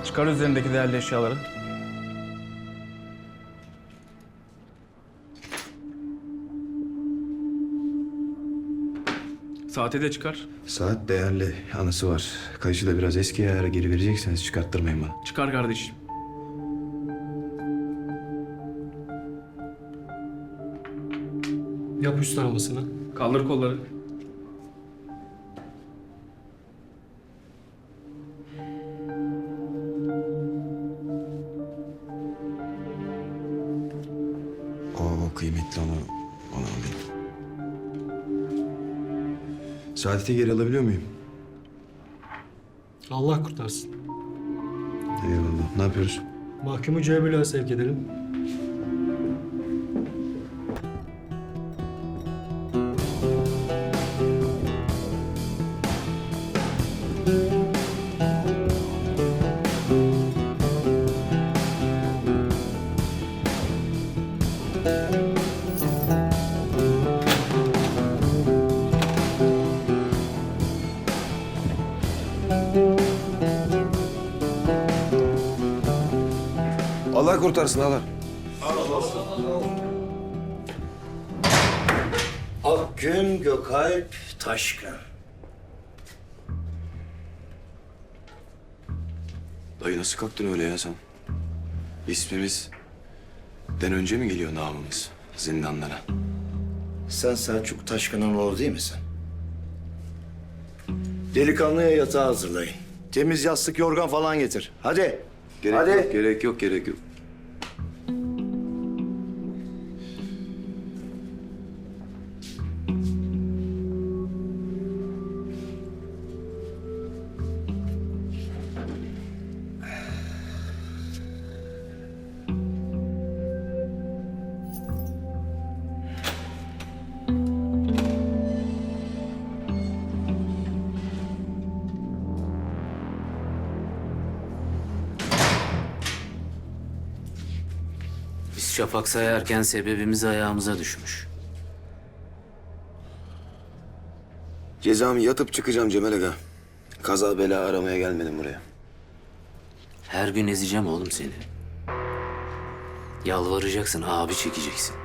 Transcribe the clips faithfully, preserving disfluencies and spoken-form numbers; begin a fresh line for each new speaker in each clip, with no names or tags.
Çıkar üzerindeki değerli eşyaları. Saati de çıkar.
Saat değerli, anısı var. Kayışı da biraz eski ayara geri verecekseniz çıkarttırmayın bana.
Çıkar kardeşim.
Yap üst aramasını.
Kaldır kolları.
Oo, kıymetli, onu, onu alayım. Saadet'i geri alabiliyor muyum?
Allah kurtarsın.
Eyvallah. Ne yapıyoruz?
Mahkumu Cemil'e sevk edelim.
Allah kurtarsın Allah.
Akgün Gökalp Taşkın.
Dayı nasıl kalktın öyle ya sen? İsmimiz den önce mi geliyor namımız zindanlara?
Sen Selçuk Taşkın'ın oğlu değil misin? Delikanlıya yatağı hazırlayın. Temiz yastık, yorgan falan getir. Hadi.
Gerek
Hadi.
yok, gerek yok, gerek yok.
Biz şafak sayarken sebebimiz ayağımıza düşmüş.
Cezamı yatıp çıkacağım Cemal Aga. Kaza bela aramaya gelmedim buraya.
Her gün ezeceğim oğlum seni. Yalvaracaksın, abi çekeceksin.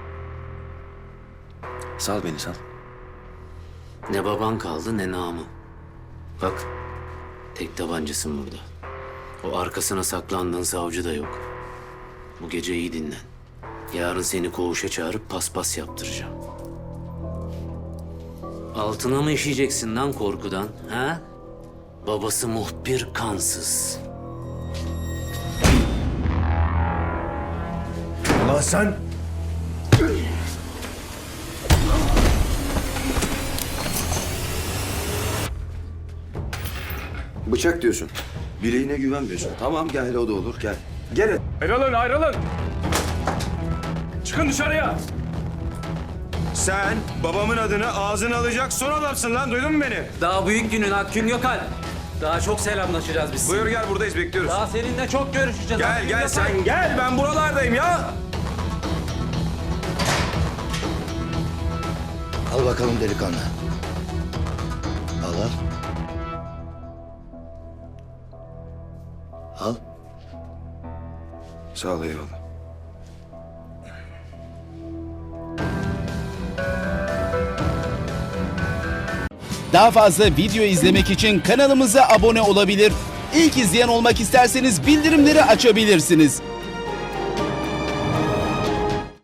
Sal beni, sal.
Ne baban kaldı ne namı. Bak, tek tabancasın burada. O arkasına saklandığın savcı da yok. Bu gece iyi dinlen. Yarın seni koğuşa çağırıp paspas yaptıracağım. Altına mı işeyeceksin lan korkudan, ha? Babası muhbir kansız.
Ulan sen...
Bıçak diyorsun. Bileğine güvenmiyorsun. Tamam gel, o da olur, gel. Gel.
Ayrılın, ayrılın. Çıkın dışarıya.
Sen babamın adını ağzına alacak son adamsın lan, duydun mu beni?
Daha büyük günün Akgün Gökalp. Daha çok selamlaşacağız biz.
Buyur gel, buradayız, bekliyoruz.
Daha seninle çok görüşeceğiz.
Gel
Akgün
gel
Gökalp.
sen gel, ben buralardayım ya.
Al bakalım delikanlı. Al al. Al.
Sağ ol, eyvallah.
Daha fazla video izlemek için kanalımıza abone olabilir. İlk izleyen olmak isterseniz bildirimleri açabilirsiniz.